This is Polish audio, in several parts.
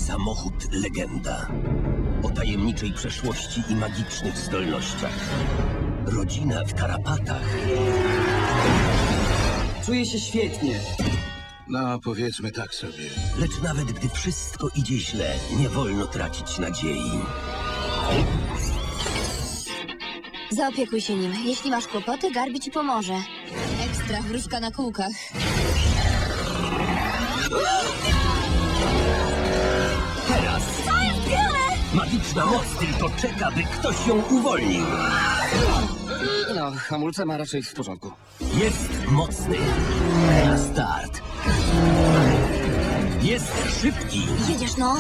Samochód legenda. O tajemniczej przeszłości i magicznych zdolnościach. Rodzina w tarapatach. Czuję się świetnie. No, powiedzmy tak sobie. Lecz nawet gdy wszystko idzie źle, nie wolno tracić nadziei. Zaopiekuj się nim. Jeśli masz kłopoty, Garbi ci pomoże. Ekstra wróżka na kółkach. Teraz To jest grane! magiczna moc tylko czeka, by ktoś ją uwolnił. No, hamulce ma raczej w porządku. Jest mocny. Na start. Jest szybki. Jedziesz, no.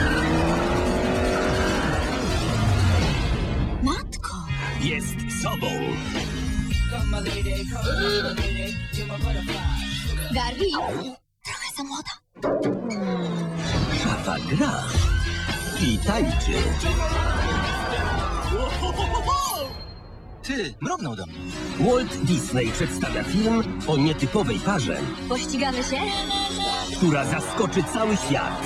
Matko! Jest sobą. Garbi! Trochę za młoda. Szafa gra. I tańczy. Ty, mrugnął do mnie. Walt Disney przedstawia film o nietypowej parze, Pościgamy się? która zaskoczy cały świat.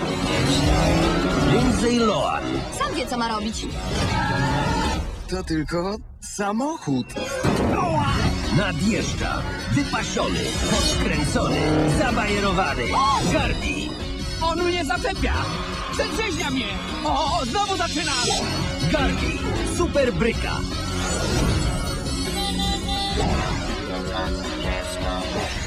Lindsay Lohan, Sam wie, co ma robić. To tylko samochód. nadjeżdża. Wypasiony, podkręcony, zabajerowany. Garbi. On mnie zaczepia! Przedrzeźnia mnie! O, znowu zaczyna! Garbi. Super bryka.